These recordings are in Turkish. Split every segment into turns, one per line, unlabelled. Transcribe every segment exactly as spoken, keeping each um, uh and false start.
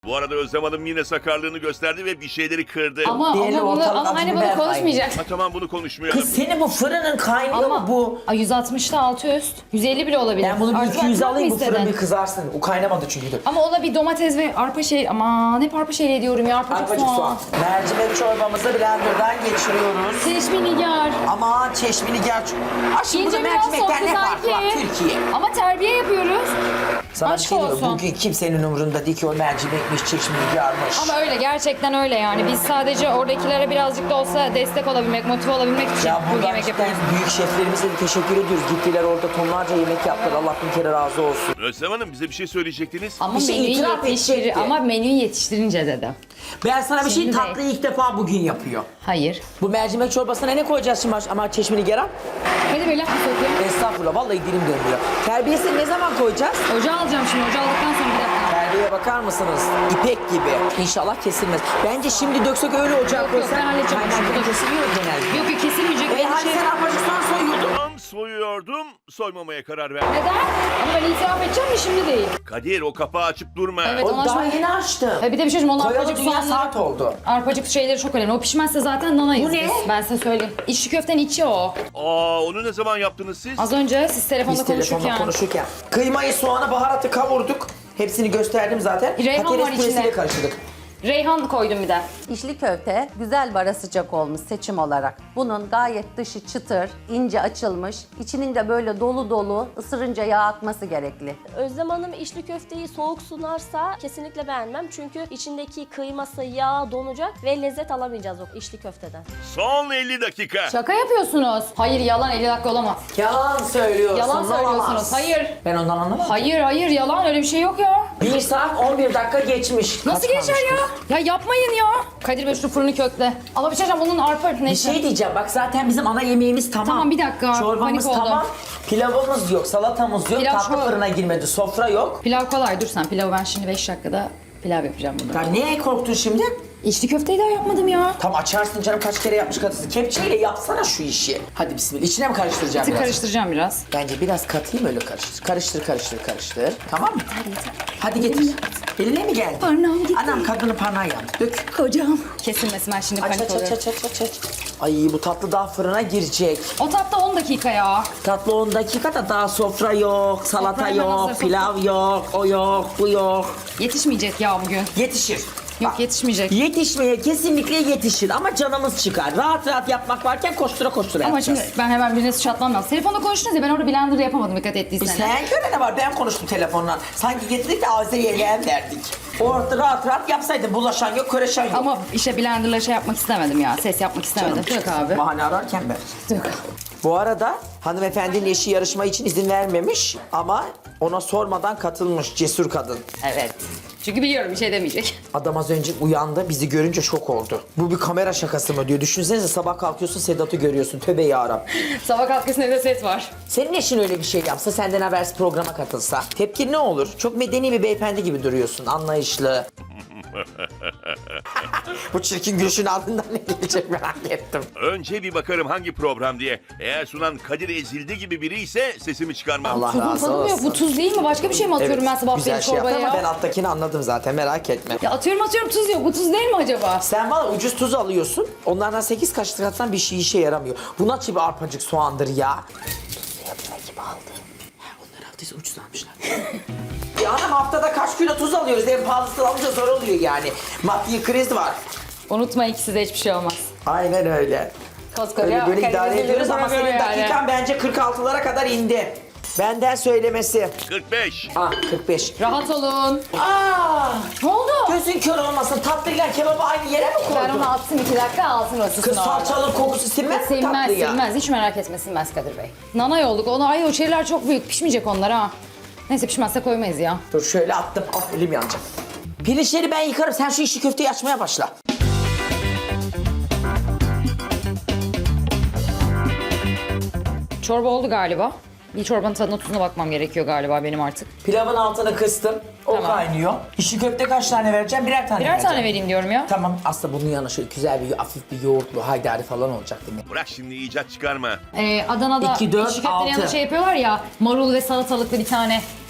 Bu arada Özlem Hanım yine sakarlığını gösterdi ve bir şeyleri kırdı.
Ama,
Diğeri
ama, bunu,
ortalık
ama hani
acı biber
bunu konuşmayacağız.
Ha, tamam bunu konuşmayalım.
Kız senin bu fırının kaynıyor mu bu?
Ay, yüz altmışta altı üst. yüz elli bile olabilir.
Ben bunu bir
Artık
iki yüz
açmak mı
alayım bu fırın
istedin?
bir kızarsın. O kaynamadı çünkü. Dur.
Ama ona bir domates ve arpa şey... Aman hep arpa şeyle diyorum ya. Arpacık,
Arpacık soğan. Mercimek çorbamızı blenderdan geçiriyoruz.
Seçmeni nigar.
Ama çeşmini gel. Aşkım burada
İnce biraz
mercimekten
softu
ne farkı var
sanki.
Türkiye?
Ama terbiye yapıyoruz.
Sana bir
Aşk
şey diyeyim mi?
olsun.
Bugün kimsenin umurunda değil ki o mercimekmiş, çeşmini yarmış.
Ama öyle, gerçekten öyle yani. Biz sadece oradakilere birazcık da olsa destek olabilmek, motive olabilmek için
Ya
bu
buradan
yemek
cidden
yapıyoruz.
büyük şeflerimize de teşekkür ediyoruz. Gittiler orada tonlarca yemek yaptılar. Allah bin kere razı olsun.
Özlem Hanım bize bir şey söyleyecektiniz.
Ama
Bir şey
menüyü
itiraf
yetiştir
edecekti.
ama menüyü yetiştirince dedim.
Ben sana bir şey
Şimdi
tatlı ilk defa bugün yapıyor.
Hayır.
Bu mercimek çorbasına ne koyacağız şimdi ama çeşmini geren?
Hadi böyle laf mı sokayım?
Estağfurullah vallahi dilim dönüyor. Terbiyesini ne zaman koyacağız?
Ocağı alacağım şimdi. Ocağı aldıktan sonra bir dakika.
Terbiyeye bakar mısınız? İpek gibi. İnşallah kesilmez. Bence şimdi döksek öyle ocağa
Yok, yok,
koysak.
ben halledeceğim.
Kaynarken
Yok.
kesiliyor genelde.
Yok yok, kesilmeyecek.
E
Benim
hani
şey-
sen arpacık soğan soyuyordun.
Tam soyuyordum, soymamaya karar verdim.
Neden? Ama ben itiraf edeceğim mi, şimdi değil.
Kadir o kapağı açıp durma.
Evet.
O
Ondan
daha
sonra-
yeni açtım.
Ha, bir de bir şey söyleyeyim. Onun
Koyalı
arpacık
dünya
soğanları...
saat oldu.
Arpacık şeyleri çok önemli. O pişmezse zaten nanayız
Bu ne?
biz. Ben size söyleyeyim. İçli köftenin içi o.
Aa onu ne zaman yaptınız siz?
Az önce siz telefonda
Biz telefonla
konuşurken.
konuşurken. Kıymayı, soğanı, baharatı kavurduk. Hepsini gösterdim zaten.
Reyhan
Patates
var
püresiyle
içinde.
karıştırdık.
Reyhan koydum bir de.
İçli köfte güzel ve ara sıcak olmuş seçim olarak. Bunun gayet dışı çıtır, ince açılmış, içinin de böyle dolu dolu ısırınca yağ akması gerekli.
Özlem Hanım içli köfteyi soğuk sunarsa kesinlikle beğenmem. Çünkü içindeki kıyması, yağ donacak ve lezzet alamayacağız o içli köfteden.
Son elli dakika.
Şaka yapıyorsunuz. Hayır, yalan, elli dakika olamaz.
Yalan söylüyorsun.
Yalan söylüyorsunuz.
olamaz.
Hayır.
Ben ondan anlamadım.
Hayır hayır, yalan, öyle bir şey yok ya.
Bir saat on bir dakika geçmiş.
Nasıl
Kaç
geçer
kalmış
ya? Ya yapmayın ya. Kadir Bey şu fırını kökle. Ama bir şey diyeceğim, bunun arpa
Bir
neyse.
şey diyeceğim bak zaten bizim ana yemeğimiz tamam.
Tamam, bir dakika.
Çorbamız
Panik oldum.
tamam. Pilavımız yok, salatamız yok,
Pilav
tatlı
çok-
fırına girmedi, sofra yok.
Pilav kolay, dur sen. Pilavı ben şimdi beş dakikada pilav yapacağım bunu.
Ya neye korktun şimdi?
İçli köfteyi daha yapmadım ya.
Tam açarsın canım kaç kere yapmış kadınsın. Kepçeyle yapsana şu işi. Hadi bismillah. İçine mi karıştıracağım
Tık
biraz?
karıştıracağım biraz.
Bence biraz katayım öyle karıştır. Karıştır karıştır karıştır. Tamam mı? Hadi getir. Eline mi geldi?
Parnağım gitti.
Anam kadını parnağı yandı. Dök.
Kocam. Kesilmesin, ben şimdi
Aç
panik
aç aç
oluyorum.
aç aç aç. aç. Ay bu tatlı daha fırına girecek.
O tatlı on dakika ya.
Tatlı on dakikada daha sofra yok, salata
Sofra hemen
yok,
hazır, sofra.
pilav yok, o yok, bu yok.
Yetişmeyecek ya bugün.
Yetişir.
Yok, yetişmeyecek.
Yetişmeye kesinlikle yetişir ama canımız çıkar. Rahat rahat yapmak varken koştura koştura
Ama
yapacağız.
şimdi ben hemen birine suç atmam lazım. Telefonda konuştunuz ya, ben orada blender yapamadım dikkat ettiyseniz.
Sen göre ne var? Ben konuştum telefonla. Sanki getirdik de Azeri'ye leğen verdik. Orada rahat rahat yapsaydın. Bulaşan yok, köreşen yok.
Ama işte blenderla şey yapmak istemedim ya. Ses yapmak istemedim. Dök abi.
Bahane ararken ben.
Dök abi.
Bu arada hanımefendinin eşi yarışma için izin vermemiş ama ona sormadan katılmış cesur kadın.
Evet. Çünkü biliyorum bir şey demeyecek.
Adam az önce uyandı, bizi görünce şok oldu. Bu bir kamera şakası mı diyor. Düşünsenize sabah kalkıyorsun Sedat'ı görüyorsun. Tövbe yarabbim.
Sabah kalkısında evde set var.
Senin eşin öyle bir şey yapsa, senden habersiz programa katılsa. Tepkin ne olur? Çok medeni bir beyefendi gibi duruyorsun, anlayışlı. Bu çirkin gülüşün ardından ne gelecek merak ettim.
Önce bir bakarım hangi program diye. Eğer sunan Kadir Ezildi gibi biri ise sesimi çıkarmam.
Allah
Tuzun
razı
tadı mı yok?
olsun.
Bu tuz değil mi? Başka bir şey mi atıyorum ben sabah
güzel
beri
şey yaptı
çorbaya
ama
ya?
ben alttakini anladım zaten, merak etme.
Ya atıyorum atıyorum, tuz yok. Bu tuz değil mi acaba?
Sen valla ucuz tuz alıyorsun, onlardan sekiz kaşık atsan bir şey işe yaramıyor. Bu nasıl bir arpacık soğandır ya? Tuzlu yapma gibi aldı. Ha, onlar aldıysa ucuz almışlar. Ya hanım haftada kaç kilo tuz alıyoruz? En pahalısını alınca zor oluyor yani. Maddi kriz var.
Unutma, ikisi de hiçbir şey olmaz.
Aynen öyle.
Koskoca
Öyle böyle idare
Karadeniz
ediyoruz ama
programı
senin
yani.
dakikan bence kırk altılara kadar indi. Benden söylemesi.
kırk beş.
Ah kırk beş.
Rahat olun.
Aa,
Ne oldu?
gözün kör olmasın. Tatlıyla kebabı aynı yere mi koydun?
Ben onu attım iki dakika, altın ısısın
Kız
orada.
salçanın kokusu sinmez mi
Silmez
tatlıya?
silmez, hiç merak etme, silmez Kadir Bey. Nanay olduk, onu ay o şeyler çok büyük, pişmeyecek onlar ha. Neyse, pişmezse koymayız ya.
Dur şöyle attım. Ah elim yanacak. Pirinçleri ben yıkarım. Sen şu işi köfteyi açmaya başla.
Çorba oldu galiba. Bir çorbanın tadına tuzuna bakmam gerekiyor galiba benim artık.
Pilavın altını kıstım. O
Tamam.
kaynıyor. İşi köfte kaç tane vereceğim? Birer tane
Birer
vereceğim.
tane vereyim diyorum ya.
Tamam. Aslında bunun yanına şöyle güzel bir hafif bir yoğurtlu haydari falan olacak değil mi?
Bırak şimdi icat çıkarma.
Ee, Adana'da
İki, dört,
içli köftenin yanında
altı.
şey yapıyorlar ya, marul ve salatalıklı bir tane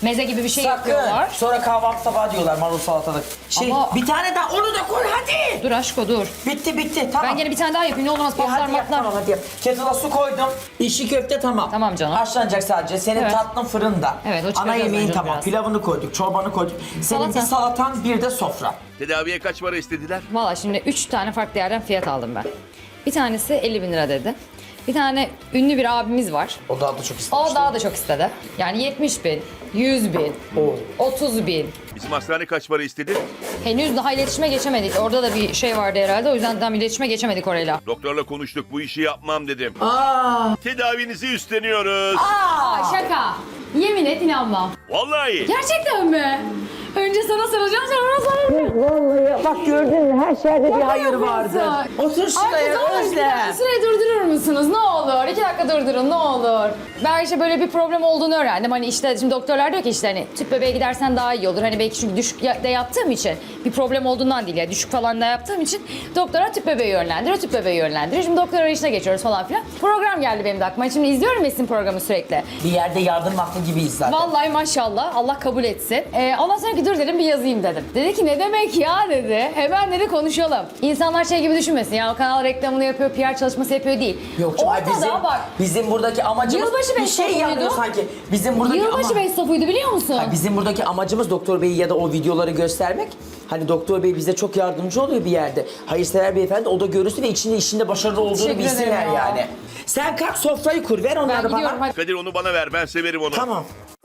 meze gibi bir şey
Sakın.
yapıyorlar.
Sonra kahvaltı tabağı diyorlar marul salatalık. Şey,
Ama-
bir tane daha onu da koy hadi.
Dur aşko dur.
Bitti bitti tamam.
Ben gene bir tane daha yapayım ne olmaz
E,
patlar
hadi yap
matlar.
tamam hadi yap. Kettle'a su koydum. İşi köfte tamam.
Tamam canım.
Haşlanacak sadece. Senin
Evet.
tatlın fırında.
Evet, o
Ana
çıkaracağız
yemeğin
bence
tamam.
biraz.
Pilavını koyduk, çorbanı koyduk. Senin
Salata.
bir salatan bir de sofra.
Tedaviye kaç para istediler?
Valla şimdi üç tane farklı yerden fiyat aldım ben. Bir tanesi elli bin lira dedi. Bir tane ünlü bir abimiz var.
O daha da çok istemiş.
O daha da çok istedi. Yani yetmiş bin, yüz bin,
Oo.
otuz bin.
Bizim hastane kaç para istedi?
Henüz daha iletişime geçemedik. Orada da bir şey vardı herhalde. O yüzden tam iletişime geçemedik orayla.
Doktorla konuştuk, bu işi yapmam dedim.
Aa.
Tedavinizi üstleniyoruz.
Aa şaka. Yemin et inanmam.
Vallahi.
Gerçekten mi? Önce sana soracağım sonra sana.
Vallahi bak gördün mü her şeyde bir hayır vardır.
yapıyorsun?
Otur şuraya Özlem.
Süreyi durdurur musunuz? Ne olur. İki dakika durdurun ne olur. Ben işte böyle bir problem olduğunu öğrendim. Hani işte şimdi doktorlar diyor ki işte hani tüp bebeğe gidersen daha iyi olur. Hani belki çünkü düşük ya- da yaptığım için bir problem olduğundan değil ya düşük falan da yaptığım için doktora tüp bebeği yönlendiriyor. Tüp bebeği yönlendiriyor. Şimdi doktor arayışına geçiyoruz falan filan. Program geldi benim de aklıma. Şimdi izliyorum Esin programı sürekli.
Bir yerde yardım aklı gibiyiz zaten.
Vallahi maşallah Allah kabul etsin. Ee, ondan sonra ki dur dedim bir yazayım dedim. Dedi ki ne demek ya dedi. Hemen dedi konuşalım. İnsanlar şey gibi düşünmesin ya o kanal reklamını yapıyor, P R çalışması yapıyor değil.
Yok canım,
Ortada
bizim,
bak.
bizim buradaki amacımız
Yılbaşı
bir
beş
şey
topuydu.
yapıyor sanki. Bizim buradaki
Yılbaşı
ama...
beş safıydı biliyor musun?
Ha, bizim buradaki amacımız Doktor Bey'i ya da o videoları göstermek. Hani Doktor Bey bize çok yardımcı oluyor bir yerde. Hayırsever beyefendi o da görürsün ve içinde işinde başarılı olduğunu
Teşekkür
bilsinler
ederim ya.
yani. Sen kalk sofrayı kur ver
Ben
onları
gidiyorum
bana.
hadi.
Kadir onu bana ver, ben severim onu.
Tamam.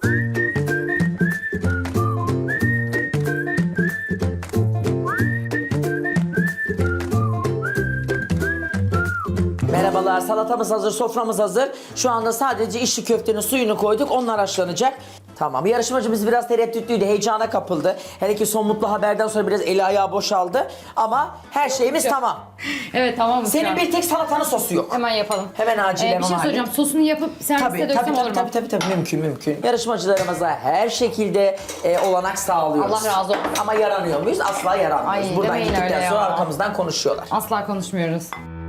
Merhabalar, salatamız hazır, soframız hazır. Şu anda sadece içli köftenin suyunu koyduk, onlar haşlanacak. Tamam, yarışmacımız biraz tereddütlüydü, heyecana kapıldı. Hele ki son mutlu haberden sonra biraz eli ayağı boşaldı. Ama her şeyimiz tamam.
Evet tamam mı?
Senin bir tek salatanın sosu yok.
Hemen yapalım.
Hemen acilen
Ee, bir şey
onu
soracağım. Sosunu yapıp serviste
Tabii,
döksem
tabii,
olur
tabii,
mu?
tabii, tabii, tabii, mümkün, mümkün. Yarışmacılarımıza her şekilde e, olanak sağlıyoruz.
Allah razı olsun.
Ama yaranıyor muyuz? Asla yaranmıyoruz.
Ay,
Buradan
demeyin
gittikten
öyle
sonra
ya.
arkamızdan konuşuyorlar.
Asla konuşmuyoruz.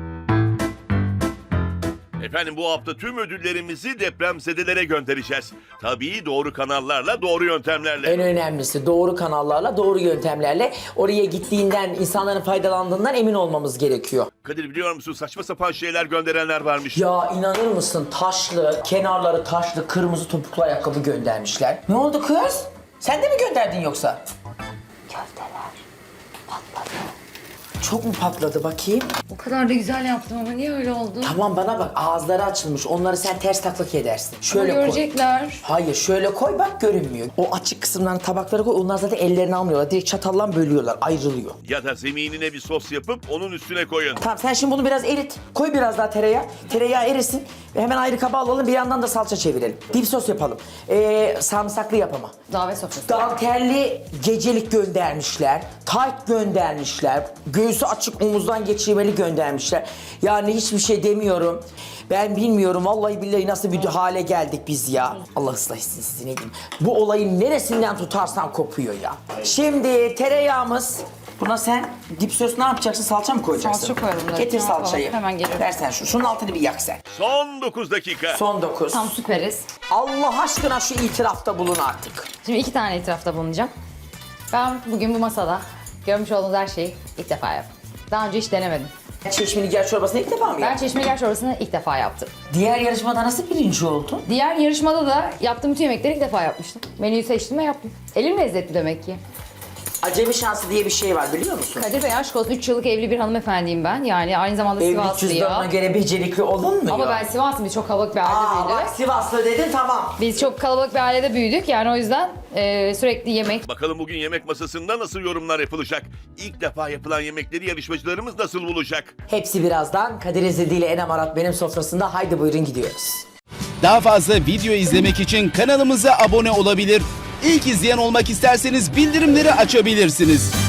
Efendim bu hafta tüm ödüllerimizi depremzedelere göndereceğiz. Tabii doğru kanallarla, doğru yöntemlerle.
En önemlisi doğru kanallarla, doğru yöntemlerle oraya gittiğinden, insanların faydalandığından emin olmamız gerekiyor.
Kadir biliyor musun saçma sapan şeyler gönderenler varmış.
Ya inanır mısın taşlı, kenarları taşlı, kırmızı topuklu ayakkabı göndermişler. Ne oldu kız? Sen de mi gönderdin yoksa? Köfteler patladı. Çok mu patladı bakayım?
O kadar da güzel yaptım ama niye öyle oldu?
Tamam bana bak ağızları açılmış. Onları sen ters taklık edersin. Şöyle
Ama
koy.
görecekler.
Hayır şöyle koy bak görünmüyor. O açık kısımlarını tabaklara koy. Onlar zaten ellerini almıyorlar. Direkt çatalla bölüyorlar. Ayrılıyor.
Ya da zeminine bir sos yapıp onun üstüne koyun.
Tamam sen şimdi bunu biraz erit. Koy biraz daha tereyağı. Tereyağı erisin. Ve hemen ayrı kaba alalım. Bir yandan da salça çevirelim. Dip sos yapalım. Ee, sarımsaklı yapama.
Davet sofrası.
Dantelli gecelik göndermişler. Tayt göndermişler. Göğsü açık omuzdan geçirmeli göndermişler. Yani hiçbir şey demiyorum. Ben bilmiyorum vallahi billahi nasıl bir hale geldik biz ya. Allah ıslah etsin sizi ne diyeyim. Bu olayın neresinden tutarsan kopuyor ya. Şimdi tereyağımız. Buna sen dip sos ne yapacaksın? Salça mı koyacaksın?
Salça koyalım da.
Getir
Ne yapalım?
salçayı.
Hemen geliyorum.
Versen şu. Şunun altını bir yak sen.
Son dokuz dakika.
Son dokuz.
Tam süperiz.
Allah aşkına şu itirafta bulun artık.
Şimdi iki tane itirafta bulunacağım. Ben bugün bu masada görmüş olduğunuz her şeyi ilk defa yaptım. Daha önce hiç denemedim.
Çeşmeli ger çorbasını ilk defa mı
Ben
yaptın?
çeşmeler çorbasını ilk defa yaptım.
Diğer yarışmada nasıl birinci oldun?
Diğer yarışmada da yaptığım bütün yemekleri ilk defa yapmıştım. Menüyü seçtim ve yaptım. Elim lezzetli demek ki.
Acemi şansı diye bir şey var biliyor musun?
Kadir Bey aşk olsun üç yıllık evli bir hanımefendiyim ben. Yani aynı zamanda
Evlilik
Sivaslıyım.
cüzdanına göre becerikli olunmuyor.
Ama ben Sivaslıyım. Biz çok kalabalık bir ailede
Aa
büyüdük.
bak Sivaslı dedin tamam.
Biz çok kalabalık bir ailede büyüdük. Yani o yüzden e, sürekli yemek.
Bakalım bugün yemek masasında nasıl yorumlar yapılacak? İlk defa yapılan yemekleri yarışmacılarımız nasıl bulacak?
Hepsi birazdan Kadir Ezildi ile Enem Arat benim sofrasında. Haydi buyurun gidiyoruz.
Daha fazla video izlemek için kanalımıza abone olabilir. İlk izleyen olmak isterseniz bildirimleri açabilirsiniz.